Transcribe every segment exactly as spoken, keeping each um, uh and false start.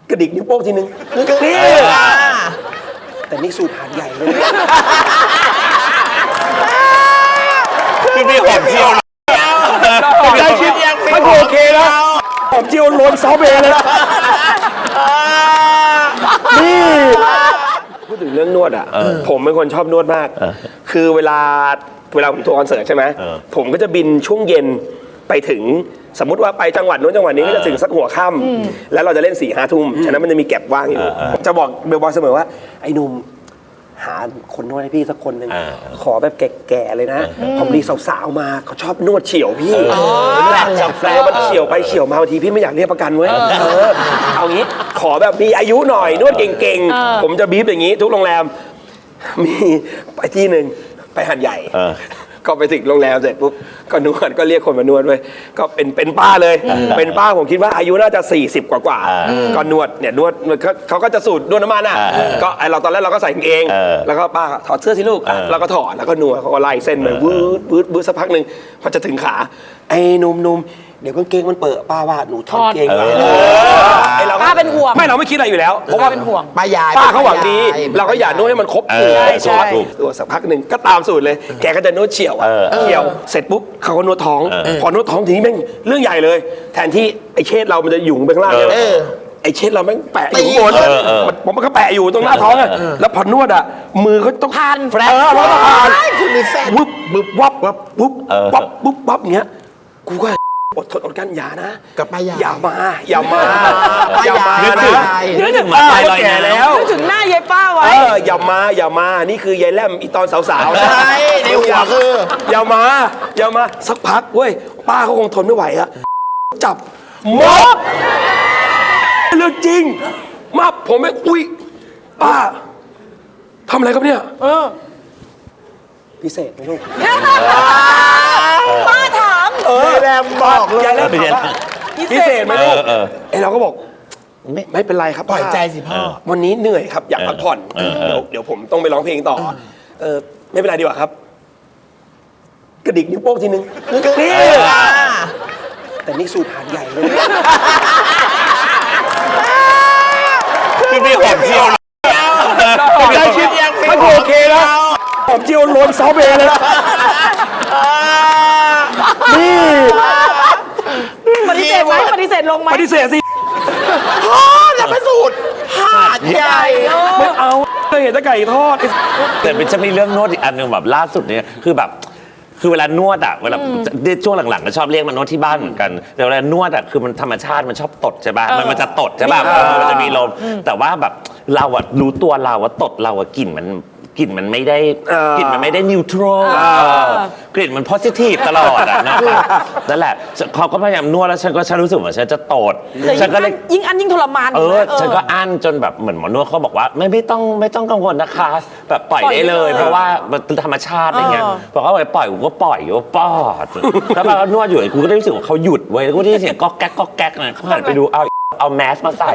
กระดิกนิ้วโป้งทีนึงนี่แต่นี่สูตรหาดใหญ่เลยคือมีหอมเจียวได้ชิดมันโอเคนะหอมเจียวโรนซอเบเลยนะนี่พูดถึงเรื่องนวดอ่ะผมเป็นคนชอบนวดมากคือเวลาเวลาผมทัวร์คอนเสิร์ตใช่ไหมผมก็จะบินช่วงเย็นไปถึงสมมติว่าไปจังหวัดนู้นจังหวัดนี้ก็จะถึงสักหัวค่ำแล้วเราจะเล่นสี่ห้าทุ่มฉะนั้นมันจะมีแก็บว่างอยู่จะบอกเบลบอยเสมอว่าไอ้หนุ่มหาคนนวดให้พี่สักคนหนึ่งขอแบบแก่ๆเลยนะผมดีสาวๆมาเขาชอบนวดเฉียวพี่แล้วมันเฉียวไปเฉียวมาบางทีพี่ไม่อยากเรียกประกันเว้ยเอางี้ขอแบบมีอายุหน่อยนวดเก่งๆผมจะบีบอย่างนี้ทุกโรงแรมมีไปที่หนึ่งไปหาดใหญ่ก็ไปถึงโรงแรมเสร็จปุ๊บก็นวดก็เรียกคนมานวดด้วยก็เป็นเป็นป้าเลยเป็นป้าผมคิดว่าอายุน่าจะสี่สิบกว่ากว่าก็นวดเนี่ยนวดเขาก็จะสูตรนวดน้ำมันอ่ะก็ไอเราตอนแรกเราก็ใส่กางเกงแล้วก็ป้าถอดเสื้อสิลูกเราก็ถอดแล้วก็นวดเขาก็ไล่เส้นไปวืดวืดวืดสักพักหนึ่งพอจะถึงขาไอ้หนุ่มๆเดี๋ยวกางเกงมันเปิดป้าว่าหนูถอดเกงไปไอเราป้าเป็นห่วงไม่เราไม่คิดอะไรอยู่แล้วเพราะว่าเป็นห่วงป้ายายป้าเขาหวังดีเราก็อย่านวดให้มันครบใช่ใช่ตัวสักพักหนึ่งก็ตามสูตรเลยแกก็จะนวดเฉียวเฉียวเสร็จปุ๊บเขาก็นวดท้องพอนวดท้องทีนี้แม่งเรื่องใหญ่เลยแทนที่ไอ้เชษเรามันจะหยุ่งไปข้างล่างไอ้เชษเราแม่งแปะอยู่บนผมมันก็แปะอยู่ตรงหน้าท้องอ่ะแล้วพอนวดอ่ะมือเขาต้องพันแฟลชแล้วก็พันคุณมีแฟนวุบวุบวับวับวุบวับวุบวับอย่างเงี้ยกูก็อดทนอดกันอย่านะกับป้ายายอย่ามาอย่ามาอย่ามานึกถึงนึกถึงมาตายลอยน้ำแล้วนึกถึงหน้ายายป้าไว้เอออย่ามาอย่ามานี่คือยายแล่มอีตอนสาวๆใช่ในหัวคืออย่ามาอย่ามาสักพักเว้ยป้าเขาคงทนไม่ไหวอะจับม็อบเรื่องจริงมาผมไม่อุ้ยป้าทำอะไรครับเนี่ยเออพิเศษไหมลูกป้าถามเออแรมบอกเลยพิเศษไหมลูกไอเราก็บอกไม่ไม่เป็นไรครับปล่อยใจสิพ่อวันนี้เหนื่อยครับอยากพักผ่อนเดี๋ยวเดี๋ยวผมต้องไปร้องเพลงต่อเออไม่เป็นไรดีกว่าครับกระดิกนิ้วโป้งทีนึงนี่แต่นี่สูตรหาดใหญ่เลยคือมีหอมเจียวได้ชิดมันโอเคนะหอมเจียวโรนซอเบเลยนะนี่ปฏิเสธไหมปฏิเสธลงไหมปฏิเสธสิพ่อจะไปสูตรหาดใหญ่ไม่เอาเคยเห็นแต่ไก่ทอดแต่เป็นจะมีเรื่องนวดอีกอันหนึ่งแบบล่าสุดเนี่ยคือแบบคือเวลานวดอ่ะเวลาช่วงหลังๆก็ชอบเรียกมานวดที่บ้านเหมือนกันแต่เวลานวดอ่ะคือมันธรรมชาติมันชอบตดใช่ป่ะมันมันจะตดใช่ป่ะมันจะมีลมแต่ว่าแบบเราอ่ะรู้ตัวเราว่าตดเราอ่ะกลิ่นมันกลิ่นมันไม่ได้กลิ่นมันไม่ได้นิวทรัลกลิ่นมันโพซิทีฟตลอดอ่ะนะครับนั่นแหละเขาก็พยายามนวดแล้วฉันก็ฉันรู้สึกว่าฉันจะตดฉันก็เลยยิ่งอันยิ่งทรมานเออฉันก็อั้นจนแบบเหมือนหมอนวดเขาบอกว่าไม่ไม่ต้องไม่ต้องกังวลนะคะแบบปล่อยได้เลยเพราะว่ามันธรรมชาติอะไรเงี้ยบอกว่าไปปล่อยกูก็ปล่อยกูปอดแล้วพอนวดอยู่กูก็ได้รู้สึกว่าเขาหยุดเว้ยกูได้ยินเสียงก๊อกแก๊กก๊อกแก๊กนะเขาหันไปดูเอาเอาแมสมาใส่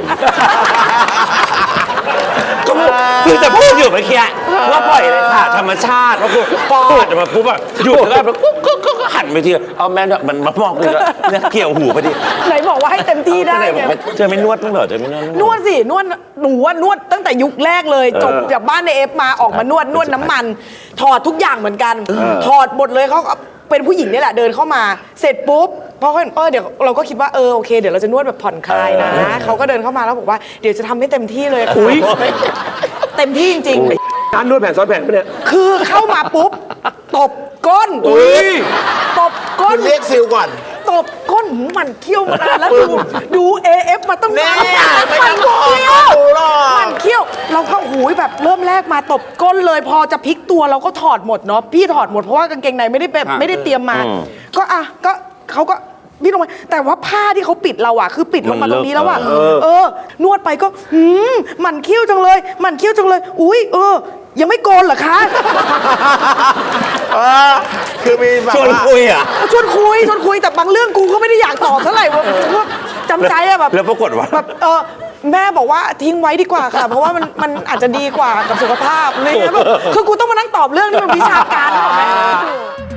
คือจะพูดอยู่เมื่อกี้ว่าปล่อยเลยค่ะธรรมชาติว่าคือปอดมาปุ๊บแบบหยุดแล้วแบบกุ๊กกุ๊กก็หันไปทีเอาแม่มันมามองกูเนี่ยเกี่ยวหูพอดีไหนบอกว่าให้เต็มที่ได้ไงเจอไม่นวดต้องเหรอเจอไม่นวดนวดสินวดหนูว่านวดตั้งแต่ยุคแรกเลยจบจากบ้านในเอฟมาออกมานวดนวดน้ำมันถอดทุกอย่างเหมือนกันถอดหมดเลยเขาเป็นผู้หญิงนี่แหละเดินเข้ามาเสร็จปุ๊บพอเขาเห็นเออเดี๋ยวเราก็คิดว่าเออโอเคเดี๋ยวเราจะนวดแบบผ่อนคลายนะเขาก็เดินเข้ามาแล้วบอกว่าเดี๋ยวจะทำให้เต็มที่เลยอุ้ยเต็มที่จริงๆการนวดแผ่นซ้อนแผ่นปะเนี่ยคือเข้ามาปุ๊บตบก้นตบก้นเรียกซิลก่อนตบก้นมันเคี้ยวมานานแล้วดูดู เอ เอฟ มาต้องนานมันเคี้ยวมันเคี้ยวเราก็หูยแบบเริ่มแรกมาตบก้นเลยพอจะพลิกตัวเราก็ถอดหมดเนาะพี่ถอดหมดเพราะว่ากางเกงในไม่ได้แบบไม่ได้เตรียมมาก็อ่ะก็เขาก็พี่ลงไปแต่ว่าผ้าที่เขาปิดเราอะคือปิดลงมาตรงนี้แล้วอะเออนวดไปก็หืมมันเคี้ยวจังเลยมันเคี้ยวจังเลยอุ้ยเออยังไม่โกนเหรอคะคือมีชวนคุยอ่ะชวนคุยชวนคุยแต่บางเรื่องกูก็ไม่ได้อยากตอบเท่าไหร่ว่าจำใจอะแบบแล้วปรากฏว่าแบบเออแม่บอกว่าทิ้งไว้ดีกว่าค่ะเพราะว่ามันมันอาจจะดีกว่ากับสุขภาพอะไรเงี้ยคือกูต้องมานั่งตอบเรื่องที่มันวิชาการหรอแม่